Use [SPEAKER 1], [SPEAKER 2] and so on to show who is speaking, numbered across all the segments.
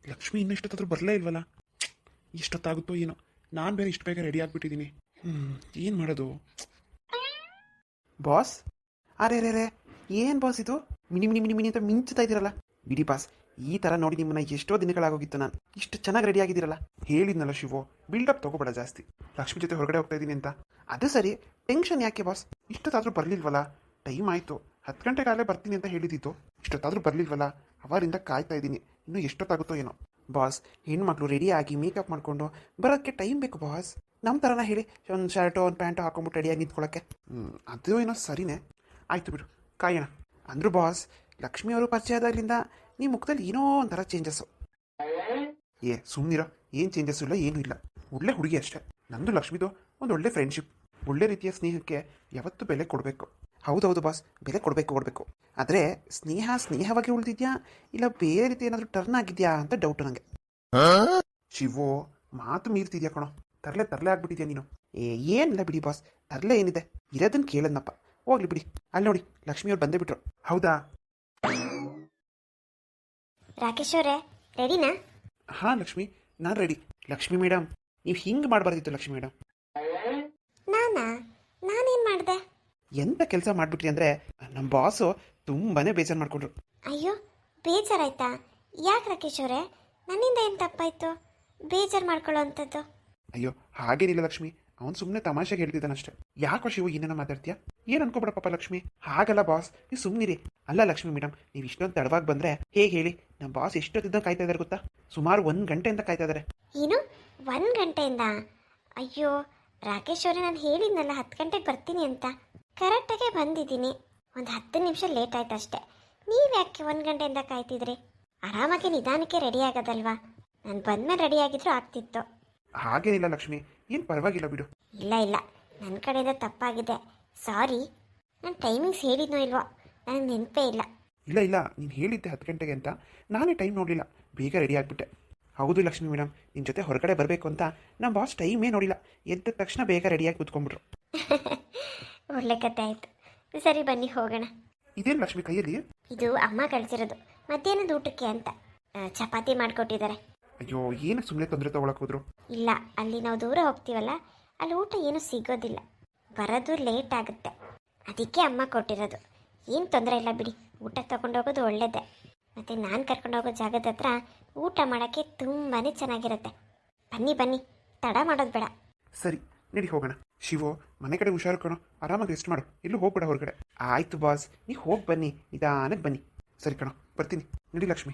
[SPEAKER 1] ಲಕ್ಷ್ಮಿ ಇನ್ನೂ ಇಷ್ಟೊತ್ತಾದ್ರೂ ಬರಲೇ ಇಲ್ವಲ್ಲ. ಎಷ್ಟೊತ್ತಾಗುತ್ತೋ ಏನೋ. ನಾನು ಬೇರೆ ಇಷ್ಟು ಬೇಗ ರೆಡಿ ಆಗಿಬಿಟ್ಟಿದ್ದೀನಿ. ಏನು ಮಾಡೋದು? ಬಾಸ್, ಅರೆ ರೇ ರೇ, ಏನು ಬಾಸ್ ಇದು? ಮಿನಿ ಮಿನಿ ಮಿನಿ ಮಿನಿ ಅಂತ ಮಿಂಚ್ತಾ ಇದ್ದೀರಲ್ಲ. ಬಿಡಿ ಬಾಸ್, ಈ ಥರ ನೋಡಿ ನಿಮ್ಮನ್ನ ಎಷ್ಟೋ ದಿನಗಳಾಗೋಗಿತ್ತು. ನಾನು ಇಷ್ಟು ಚೆನ್ನಾಗಿ ರೆಡಿ ಆಗಿದ್ದೀರಲ್ಲ. ಹೇಳಿದ್ನಲ್ಲ ಶಿವು, ಬಿಲ್ಡಪ್ ತೊಗೋಬೇಡ ಜಾಸ್ತಿ. ಲಕ್ಷ್ಮಿ ಜೊತೆ ಹೊರಗಡೆ ಹೋಗ್ತಾ ಇದ್ದೀನಿ ಅಂತ. ಅದು ಸರಿ, ಟೆನ್ಷನ್ ಯಾಕೆ ಬಾಸ್? ಇಷ್ಟೊತ್ತಾದರೂ ಬರಲಿಲ್ವಲ್ಲ? ಟೈಮ್ ಆಯಿತು, 10 ಗಂಟೆಗಾಗಲೇ ಬರ್ತೀನಿ ಅಂತ ಹೇಳಿದ್ದಿತ್ತು. ಇಷ್ಟೊತ್ತಾದರೂ ಬರಲಿಲ್ವಲ್ಲ? ಅವರಿಂದ ಕಾಯ್ತಾ ಇದ್ದೀನಿ. ಇನ್ನೂ ಎಷ್ಟೊತ್ತಾಗುತ್ತೋ ಏನೋ. ಬಾಸ್, ಹೆಣ್ಮಕ್ಳು ರೆಡಿ ಆಗಿ ಮೇಕಪ್ ಮಾಡಿಕೊಂಡು ಬರೋಕ್ಕೆ ಟೈಮ್ ಬೇಕು ಬಾಸ್. ನಮ್ಮ ಥರನ ಹೇಳಿ, ಒಂದು ಶರ್ಟು ಒಂದು ಪ್ಯಾಂಟು ಹಾಕೊಂಬಿಟ್ಟು ರೆಡಿಯಾಗಿ ನಿಂತ್ಕೊಳ್ಳೋಕ್ಕೆ. ಅದು ಏನೋ ಸರಿನೇ. ಆಯಿತು ಬಿಡು, ಕಾಯೋಣ. ಅಂದರು ಬಾಸ್, ಲಕ್ಷ್ಮಿ ಅವರು ಪರಿಚಯ ಆದಾಗಲಿಂದ ನಿಮ್ಮ ಮುಖದಲ್ಲಿ ಏನೋ ಒಂಥರ ಚೇಂಜಸ್ಸು. ಸುಮ್ಮನಿರೋ, ಏನು ಚೇಂಜಸ್ಸು ಇಲ್ಲ, ಏನೂ ಇಲ್ಲ. ಒಳ್ಳೆ ಹುಡುಗಿ ಅಷ್ಟೇ. ನಂದು ಲಕ್ಷ್ಮಿದು ಒಂದು ಒಳ್ಳೆ ಫ್ರೆಂಡ್ಶಿಪ್. ಒಳ್ಳೆ ರೀತಿಯ ಸ್ನೇಹಕ್ಕೆ ಯಾವತ್ತೂ ಬೆಲೆ ಕೊಡಬೇಕು. ಹೌದೌದು ಬಾಸ್, ಬೆಲೆ ಕೊಡಬೇಕು. ಆದರೆ ಸ್ನೇಹವಾಗಿ ಉಳಿದಿದ್ಯಾ ಇಲ್ಲ ಬೇರೆ ರೀತಿ ಏನಾದರೂ ಟರ್ನ್ ಆಗಿದೆಯಾ ಅಂತ ಡೌಟು ನನಗೆ. ಶಿವು, ಮಾತು ಮೀರ್ತಿದ್ಯಾ ಕಣೋ. ತರಲೆ ಆಗ್ಬಿಟ್ಟಿದ್ಯಾ ನೀನು. ಏನಿಲ್ಲ ಬಿಡಿ ಬಾಸ್, ತರಲೆ ಏನಿದೆ, ಇರೋದನ್ನು ಕೇಳದ್ನಪ್ಪ. ಹೋಗ್ಲಿ ಬಿಡಿ. ಅಲ್ಲಿ ನೋಡಿ, ಲಕ್ಷ್ಮಿಯವ್ರು ಬಂದೇ ಬಿಟ್ರು. ಹೌದಾ
[SPEAKER 2] ರಾಕೇಶ್ ಅವರೇ, ರೆಡಿನಾ?
[SPEAKER 1] ಹಾಂ ಲಕ್ಷ್ಮಿ, ನಾನು ರೆಡಿ. ಲಕ್ಷ್ಮಿ ಮೇಡಮ್, ನೀವು ಹಿಂಗೆ ಮಾಡಬಾರ್ದಿತ್ತು ಲಕ್ಷ್ಮಿ ಮೇಡಮ್.
[SPEAKER 2] ನಾನೇನು ಮಾಡಿದೆ?
[SPEAKER 1] ಎಂಥ ಕೆಲಸ ಮಾಡಿಬಿಟ್ರಿ ಅಂದರೆ ನಮ್ಮ ಬಾಸು ತುಂಬಾ ಬೇಜಾರು ಮಾಡಿಕೊಂಡ್ರು.
[SPEAKER 2] ಅಯ್ಯೋ, ಬೇಜಾರಾಯ್ತಾ? ಯಾಕೆ ರಾಕೇಶ್ ಅವರೇ, ನನ್ನಿಂದ ಏನು ತಪ್ಪಾಯಿತು ಬೇಜಾರು ಮಾಡ್ಕೊಳ್ಳೋ ಅಂಥದ್ದು?
[SPEAKER 1] ಅಯ್ಯೋ ಹಾಗೇನಿಲ್ಲ ಲಕ್ಷ್ಮಿ, ಅವ್ನು ಸುಮ್ಮನೆ ತಮಾಷೆಗೆ ಹೇಳ್ತಿದ್ದಾನಷ್ಟೇ. ಯಾಕೋ ಶಿವು ಏನೇನೋ ಮಾತಾಡ್ತೀಯಾ? ಏನು ಅನ್ಕೋಬೇಡ ಪಾಪ ಲಕ್ಷ್ಮಿ. ಹಾಗಲ್ಲ ಬಾಸ್, ನೀವು ಸುಮ್ಮನಿರಿ. ಅಲ್ಲ ಲಕ್ಷ್ಮಿ ಮೇಡಮ್, ನೀವು ಇಷ್ಟೊಂದು ತಡವಾಗಿ ಬಂದರೆ ಹೇಗೆ ಹೇಳಿ? ನಮ್ಮ ಬಾಸ್ ಎಷ್ಟೊತ್ತಿದ್ದ ಕಾಯ್ತಾ ಇದ್ದಾರೆ ಗೊತ್ತಾ? ಸುಮಾರು 1 ಗಂಟೆಯಿಂದ ಕಾಯ್ತಾ ಇದ್ದಾರೆ.
[SPEAKER 2] ಏನು, 1 ಗಂಟೆಯಿಂದ? ಅಯ್ಯೋ ರಾಕೇಶ್ ಅವರೇ, ನಾನು ಹೇಳಿದ್ನಲ್ಲ 10 ಗಂಟೆಗೆ ಬರ್ತೀನಿ ಅಂತ. ಕರೆಕ್ಟಾಗೆ ಬಂದಿದ್ದೀನಿ. ಒಂದು 10 ನಿಮಿಷ ಲೇಟ್ ಆಯ್ತು ಅಷ್ಟೇ. ನೀವು ಯಾಕೆ 1 ಗಂಟೆಯಿಂದ ಕಾಯ್ತಿದ್ರಿ? ಆರಾಮಾಗಿ ನಿಧಾನಕ್ಕೆ ರೆಡಿ ಆಗೋದಲ್ವಾ? ನಾನು ಬಂದಮೇಲೆ ರೆಡಿ ಆಗಿದ್ರು ಆಗ್ತಿತ್ತು.
[SPEAKER 1] ಹಾಗೇನಿಲ್ಲ ಲಕ್ಷ್ಮಿ, ಏನು ಪರವಾಗಿಲ್ಲ ಬಿಡು.
[SPEAKER 2] ಇಲ್ಲ, ನನ್ನ ಕಡೆಯಿಂದ ತಪ್ಪಾಗಿದೆ, ಸಾರಿ. ನಾನು ಟೈಮಿಂಗ್ಸ್ ಹೇಳಿದ್ನೋ ಇಲ್ವೋ ನನಗೆ ನೆನಪೇ ಇಲ್ಲ.
[SPEAKER 1] ಇಲ್ಲ, ನೀನು ಹೇಳಿದ್ದೆ 10 ಗಂಟೆಗೆ ಅಂತ. ನಾನೇ ಟೈಮ್ ನೋಡಲಿಲ್ಲ, ಬೇಗ ರೆಡಿ ಆಗಿಬಿಟ್ಟೆ. ಹೌದು ಲಕ್ಷ್ಮಿ ಮೇಡಮ್, ನಿಮ್ಮ ಜೊತೆ ಹೊರಗಡೆ ಬರಬೇಕು ಅಂತ ನಮ್ಮ ಬಾಸ್ ಟೈಮೇ ನೋಡಿಲ್ಲ. ಎದ್ದ ತಕ್ಷಣ ಬೇಗ ರೆಡಿಯಾಗಿ ಕೂತ್ಕೊಂಡ್ಬಿಟ್ರು.
[SPEAKER 2] ಒಳ್ಳೆ ಕತೆ ಆಯಿತು. ಸರಿ ಬನ್ನಿ ಹೋಗೋಣ.
[SPEAKER 1] ಇದೇನು ಲಕ್ಷ್ಮಿ ಕೈಯಲ್ಲಿ?
[SPEAKER 2] ಇದು ಅಮ್ಮ ಕಳಿಸಿರೋದು ಮಧ್ಯಾಹ್ನದ ಊಟಕ್ಕೆ ಅಂತ. ಚಪಾತಿ ಮಾಡಿಕೊಟ್ಟಿದ್ದಾರೆ.
[SPEAKER 1] ಅಯ್ಯೋ, ಏನಕ್ಕೆ ಸುಮ್ಮನೆ ತೊಂದರೆ ತೊಗೊಳಕ್ಕೆ ಹೋದ್ರು?
[SPEAKER 2] ಇಲ್ಲ, ಅಲ್ಲಿ ನಾವು ದೂರ ಹೋಗ್ತೀವಲ್ಲ, ಅಲ್ಲಿ ಊಟ ಏನೂ ಸಿಗೋದಿಲ್ಲ, ಬರೋದು ಲೇಟ್ ಆಗುತ್ತೆ. ಅದಕ್ಕೆ ಅಮ್ಮ ಕೊಟ್ಟಿರೋದು. ಏನು ತೊಂದರೆ ಇಲ್ಲ ಬಿಡಿ, ಊಟ ತೊಗೊಂಡೋಗೋದು ಒಳ್ಳೆಯದೇ. ಮತ್ತು ನಾನು ಕರ್ಕೊಂಡೋಗೋ ಜಾಗದ ಹತ್ರ ಊಟ ಮಾಡೋಕ್ಕೆ ತುಂಬಾ ಚೆನ್ನಾಗಿರುತ್ತೆ. ಬನ್ನಿ, ತಡ ಮಾಡೋದು ಬೇಡ.
[SPEAKER 1] ಸರಿ ನಡಿ ಹೋಗೋಣ. ಶಿವು, ಮನೆ ಕಡೆ ಹುಷಾರು ಕಣೋ, ಆರಾಮಾಗಿ ರೆಸ್ಟ್ ಮಾಡು, ಎಲ್ಲೂ ಹೋಗ್ಬೇಡ ಹೊರಗಡೆ. ಆಯಿತು ಬಾಸ್, ನೀವು ಹೋಗಿ ಬನ್ನಿ, ನಿಧಾನಕ್ಕೆ ಬನ್ನಿ. ಸರಿ ಕಣೋ, ಬರ್ತೀನಿ. ನಡಿ Lakshmi.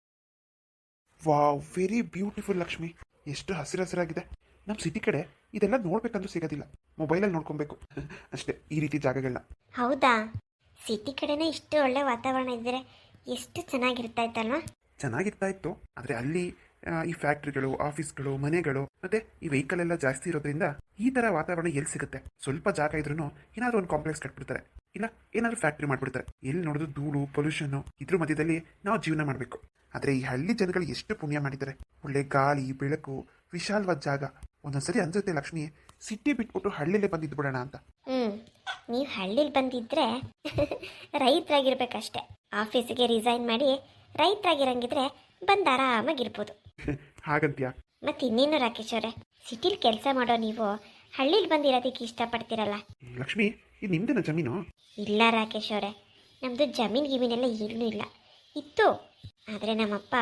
[SPEAKER 1] Wow, very beautiful Lakshmi. ಎಷ್ಟು ಹಸಿರಾಗಿದೆ. ನಮ್ಮ ಸಿಟಿ ಕಡೆ ಇದೆಲ್ಲ ನೋಡ್ಬೇಕಂದ್ರೂ ಸಿಗೋದಿಲ್ಲ, ಮೊಬೈಲಲ್ಲಿ ನೋಡ್ಕೊಬೇಕು ಅಷ್ಟೇ ಈ ರೀತಿ ಜಾಗಗಳನ್ನ.
[SPEAKER 2] ಹೌದಾ, ಸಿಟಿ ಕಡೆನೇ ಇಷ್ಟು ಒಳ್ಳೆ ವಾತಾವರಣ ಇದ್ದರೆ ಎಷ್ಟು ಚೆನ್ನಾಗಿರ್ತಾ ಇತ್ತಲ್ವಾ?
[SPEAKER 1] ಚೆನ್ನಾಗಿರ್ತಾ ಇತ್ತು, ಆದರೆ ಅಲ್ಲಿ ಈ ಫ್ಯಾಕ್ಟ್ರಿಗಳು, ಆಫೀಸ್ಗಳು, ಮನೆಗಳು ಮತ್ತೆ ಈ ವೆಹಿಕಲ್ ಎಲ್ಲ ಜಾಸ್ತಿ ಇರೋದ್ರಿಂದ ಈ ಥರ ವಾತಾವರಣ ಎಲ್ಲಿ ಸಿಗುತ್ತೆ? ಸ್ವಲ್ಪ ಜಾಗ ಇದ್ರೂ ಏನಾದರೂ ಒಂದು ಕಾಂಪ್ಲೆಕ್ಸ್ ಕಟ್ಬಿಡ್ತಾರೆ, ಇಲ್ಲ ಏನಾದರೂ ಫ್ಯಾಕ್ಟ್ರಿ ಮಾಡ್ಬಿಡ್ತಾರೆ. ಎಲ್ಲಿ ನೋಡೋದು ಧೂಳು, ಪೊಲ್ಯೂಷನ್ನು, ಇದ್ರ ಮಧ್ಯದಲ್ಲಿ ನಾವು ಜೀವನ ಮಾಡಬೇಕು. ಆದರೆ ಈ ಹಳ್ಳಿ ಜನಗಳು ಎಷ್ಟು ಪುಣ್ಯ ಮಾಡಿದ್ದಾರೆ. ಒಳ್ಳೆ ಗಾಳಿ, ಬೆಳಕು, ವಿಶಾಲವಾದ ಜಾಗ. ಒಂದೊಂದ್ಸರಿ ಅನ್ಸುತ್ತೆ ಲಕ್ಷ್ಮಿ, ಸಿಟಿ ಬಿಟ್ಬಿಟ್ಟು ಹಳ್ಳಿಲೇ ಬಂದಿದ್ದು ಬಿಡೋಣ ಅಂತ.
[SPEAKER 2] ನೀವು ಹಳ್ಳಿಲಿ ಬಂದಿದ್ರೆ ರೈತರಾಗಿರ್ಬೇಕಷ್ಟೆ. ಆಫೀಸಿಗೆ ರಿಸೈನ್ ಮಾಡಿ ರೈತರಾಗಿರಂಗಿದ್ರೆ ಬಂದು ಆರಾಮಾಗಿರ್ಬೋದು.
[SPEAKER 1] ಹಾಗಂತ್ಯಾ?
[SPEAKER 2] ಮತ್ತೆ ಇನ್ನೇನು ರಾಕೇಶ್ ಅವರೇ, ಸಿಟಿಲಿ ಕೆಲಸ ಮಾಡೋ ನೀವು ಹಳ್ಳಿಲಿ ಬಂದಿರೋದಕ್ಕೆ ಇಷ್ಟಪಡ್ತೀರಲ್ಲ?
[SPEAKER 1] ಲಕ್ಷ್ಮಿ, ಇದು ನಿಮ್ದೇನ ಜಮೀನು?
[SPEAKER 2] ಇಲ್ಲ ರಾಕೇಶ್ ಅವರೇ, ನಮ್ಮದು ಜಮೀನೆಲ್ಲ ಏನೂ ಇಲ್ಲ. ಇತ್ತು, ಆದರೆ ನಮ್ಮಪ್ಪ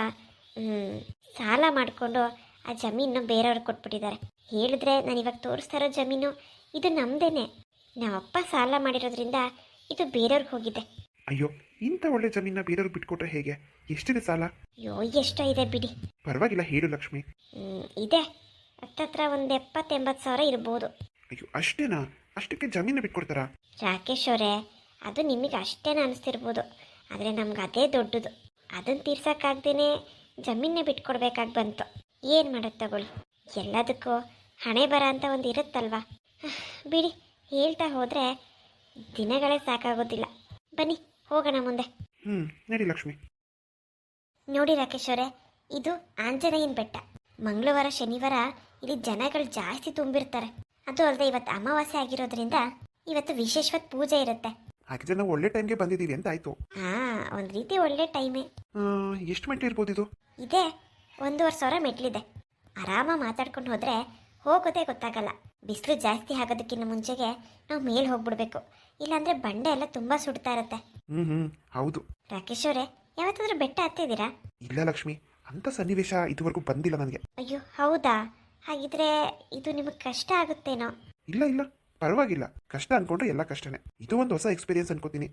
[SPEAKER 2] ಸಾಲ ಮಾಡಿಕೊಂಡು ಆ ಜಮೀನು ಬೇರೆಯವ್ರಿಗೆ ಕೊಟ್ಬಿಟ್ಟಿದ್ದಾರೆ. ಹೇಳಿದ್ರೆ ನಾನು ಇವಾಗ ತೋರಿಸ್ತಾ ಇರೋ ಜಮೀನು ಇದು ನಮ್ಮದೇನೆ. ನಮ್ಮಪ್ಪ ಸಾಲ ಮಾಡಿರೋದ್ರಿಂದ ಇದು ಬೇರೆಯವ್ರಿಗೆ ಹೋಗಿದೆ.
[SPEAKER 1] ಅಯ್ಯೋ, ಇಂಥ ಒಳ್ಳೆ ಜಮೀನ ಬೇರೆಯವ್ರಿಗೆ ಬಿಟ್ಕೊಟ್ರೆ ಹೇಗೆ? ಎಷ್ಟಿದೆ ಸಾಲ?
[SPEAKER 2] ಅಯ್ಯೋ, ಎಷ್ಟೋ ಇದೆ ಬಿಡಿ.
[SPEAKER 1] ಪರವಾಗಿಲ್ಲ, ಹೇಳು ಲಕ್ಷ್ಮಿ.
[SPEAKER 2] ಇದೆ, ಹತ್ತತ್ರ ಒಂದು 70-80 ಸಾವಿರ ಇರ್ಬೋದು.
[SPEAKER 1] ಅಯ್ಯೋ, ಅಷ್ಟೇನಾ? ಅಷ್ಟಕ್ಕೆ ಜಮೀನು ಬಿಟ್ಕೊಡ್ತಾರಾ?
[SPEAKER 2] ರಾಕೇಶ್ ಅವರೇ, ಅದು ನಿಮಗೆ ಅಷ್ಟೇನ ಅನಿಸ್ತಿರ್ಬೋದು, ಆದರೆ ನಮ್ಗೆ ಅದೇ ದೊಡ್ಡದು. ಅದನ್ನು ತೀರ್ಸೋಕ್ಕಾಗ್ದೇ ಜಮೀನೇ ಬಿಟ್ಕೊಡ್ಬೇಕಾಗಿ ಬಂತು. ಏನು ಮಾಡೋದು ತಗೊಳ್ಳಿ, ಎಲ್ಲದಕ್ಕೂ ಹಣೆ ಬರ ಅಂತ ಒಂದು ಇರುತ್ತಲ್ವ. ಬಿಡಿ, ಹೇಳ್ತಾ ಹೋದರೆ ದಿನಗಳೇ ಸಾಕಾಗೋದಿಲ್ಲ. ಬನ್ನಿ ಹೋಗೋಣ ಮುಂದೆ.
[SPEAKER 1] ನಡಿ ಲಕ್ಷ್ಮಿ.
[SPEAKER 2] ನೋಡಿ ರಾಕೇಶ್ ಅವರೇ, ಇದು ಆಂಜನೇಯನ ಬೆಟ್ಟ. ಮಂಗಳವಾರ ಶನಿವಾರ ಇಲ್ಲಿ ಜನಗಳು ಜಾಸ್ತಿ ತುಂಬಿರ್ತಾರೆ. ಅದು ಅಲ್ಲದೆ ಇವತ್ತು ಅಮಾವಾಸ್ಯೆ ಆಗಿರೋದ್ರಿಂದ ಇವತ್ತು ವಿಶೇಷವಾದ ಪೂಜೆ ಇರುತ್ತೆ.
[SPEAKER 1] ಹಾಗಿದ್ರೆ ನಾವು ಒಳ್ಳೆ ಟೈಮ್ಗೆ ಬಂದಿದ್ದೀವಿ ಅಂತ ಆಯ್ತು.
[SPEAKER 2] ಒಂದು ರೀತಿ ಒಳ್ಳೆ ಟೈಮೇ.
[SPEAKER 1] ಎಷ್ಟು ಮೆಟ್ಲು ಇರ್ಬೋದು ಇದು?
[SPEAKER 2] ಇದೆ, 1,500 ಮೆಟ್ಲಿದೆ. ಆರಾಮಾಗಿ ಮಾತಾಡ್ಕೊಂಡು ಹೋದರೆ ಹೋಗೋದೇ ಗೊತ್ತಾಗಲ್ಲ. ಬಿಸಿಲು ಜಾಸ್ತಿ ಆಗೋದಕ್ಕಿಂತ ಮುಂಚೆಗೆ ನಾವು ಮೇಲೆ ಹೋಗ್ಬಿಡ್ಬೇಕು, ಇಲ್ಲಾಂದರೆ ಬಂಡೆ ಎಲ್ಲ ತುಂಬ ಸುಡ್ತಾ ಇರುತ್ತೆ.
[SPEAKER 1] ಹೌದು.
[SPEAKER 2] ರಾಕೇಶ್ ಅವರೇ, ಯಾವತ್ತಾದ್ರೂ ಬೆಟ್ಟ ಹತ್ತಿದ್ದೀರಾ?
[SPEAKER 1] ಇಲ್ಲ ಲಕ್ಷ್ಮಿ, ಅಂಥ ಸನ್ನಿವೇಶ ಇದುವರೆಗೂ ಬಂದಿಲ್ಲ ನನಗೆ.
[SPEAKER 2] ಅಯ್ಯೋ ಹೌದಾ, ಹಾಗಿದ್ರೆ ಇದು ನಿಮಗೆ ಕಷ್ಟ ಆಗುತ್ತೇನೋ?
[SPEAKER 1] ಇಲ್ಲ ಇಲ್ಲ, ಪರವಾಗಿಲ್ಲ. ಕಷ್ಟ ಅನ್ಕೊಂಡ್ರೆ ಎಲ್ಲ ಕಷ್ಟನೇ. ಇದು ಒಂದು ಹೊಸ ಎಕ್ಸ್ಪೀರಿಯನ್ಸ್ ಅನ್ಕೋತೀನಿ.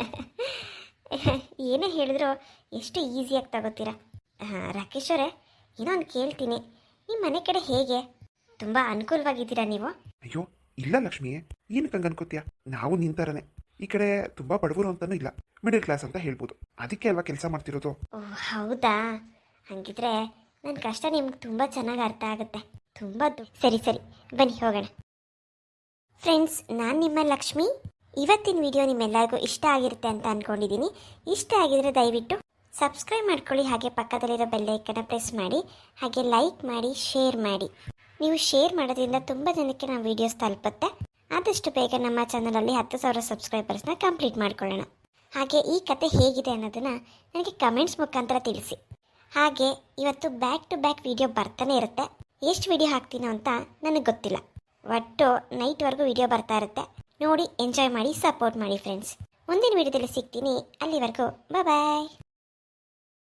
[SPEAKER 2] ಏನೇ ಹೇಳಿದ್ರು ಎಷ್ಟು ಈಸಿಯಾಗಿ ತಗೋತೀರಾ. ಹಾಂ ರಾಕೇಶ್ ಅವರೇ, ಇನ್ನೊಂದು ಕೇಳ್ತೀನಿ, ನಿಮ್ಮ ಮನೆ ಕಡೆ ಹೇಗೆ? ತುಂಬ ಅನುಕೂಲವಾಗಿದ್ದೀರಾ ನೀವು?
[SPEAKER 1] ಅಯ್ಯೋ ಇಲ್ಲ ಲಕ್ಷ್ಮಿ, ಏನಕ್ಕೆ ಹಂಗೆ ಅನ್ಕೋತೀಯ? ನಾವು ನಿಂತರನೆ ಈ ಕಡೆ ತುಂಬ ಬಡವರು ಅಂತಾನೂ ಇಲ್ಲ, ಮಿಡಲ್ ಕ್ಲಾಸ್ ಅಂತ ಹೇಳ್ಬೋದು. ಅದಕ್ಕೆ ಅಲ್ವಾ ಕೆಲಸ ಮಾಡ್ತಿರೋದು.
[SPEAKER 2] ಓಹ್ ಹೌದಾ, ಹಾಗಿದ್ರೆ ನನ್ನ ಕಷ್ಟ ನಿಮ್ಗೆ ತುಂಬ ಚೆನ್ನಾಗಿ ಅರ್ಥ ಆಗುತ್ತೆ. ತುಂಬ ಸರಿ ಸರಿ, ಬನ್ನಿ ಹೋಗೋಣ. ಫ್ರೆಂಡ್ಸ್, ನಾನು ನಿಮ್ಮ ಲಕ್ಷ್ಮಿ. ಇವತ್ತಿನ ವಿಡಿಯೋ ನಿಮ್ಮೆಲ್ಲರಿಗೂ ಇಷ್ಟ ಆಗಿರುತ್ತೆ ಅಂತ ಅಂದ್ಕೊಂಡಿದ್ದೀನಿ. ಇಷ್ಟ ಆಗಿದ್ರೆ ದಯವಿಟ್ಟು ಸಬ್ಸ್ಕ್ರೈಬ್ ಮಾಡ್ಕೊಳ್ಳಿ, ಹಾಗೆ ಪಕ್ಕದಲ್ಲಿರೋ ಬೆಲ್ಲೈಕನ್ನ ಪ್ರೆಸ್ ಮಾಡಿ, ಹಾಗೆ ಲೈಕ್ ಮಾಡಿ, ಶೇರ್ ಮಾಡಿ. ನೀವು ಶೇರ್ ಮಾಡೋದ್ರಿಂದ ತುಂಬ ಜನಕ್ಕೆ ನಮ್ಮ ವೀಡಿಯೋಸ್ ತಲುಪುತ್ತೆ. ಆದಷ್ಟು ಬೇಗ ನಮ್ಮ ಚಾನಲಲ್ಲಿ 10,000 ಸಬ್ಸ್ಕ್ರೈಬರ್ಸ್ನ ಕಂಪ್ಲೀಟ್ ಮಾಡ್ಕೊಳ್ಳೋಣ. ಹಾಗೆ ಈ ಕತೆ ಹೇಗಿದೆ ಅನ್ನೋದನ್ನು ನನಗೆ ಕಮೆಂಟ್ಸ್ ಮುಖಾಂತರ ತಿಳಿಸಿ. ಹಾಗೆ ಇವತ್ತು ಬ್ಯಾಕ್ ಟು ಬ್ಯಾಕ್ ವಿಡಿಯೋ ಬರ್ತಾನೆ ಇರುತ್ತೆ. ಎಷ್ಟು ವಿಡಿಯೋ ಹಾಕ್ತೀನೋ ಅಂತ ನನಗೆ ಗೊತ್ತಿಲ್ಲ. ಒಟ್ಟು ನೈಟ್ವರೆಗೂ ವಿಡಿಯೋ ಬರ್ತಾ ಇರುತ್ತೆ. ನೋಡಿ, ಎಂಜಾಯ್ ಮಾಡಿ, ಸಪೋರ್ಟ್ ಮಾಡಿ ಫ್ರೆಂಡ್ಸ್. ಮುಂದಿನ ವಿಡಿಯೋದಲ್ಲಿ ಸಿಗ್ತೀನಿ. ಅಲ್ಲಿವರೆಗೂ ಬಾಯ್.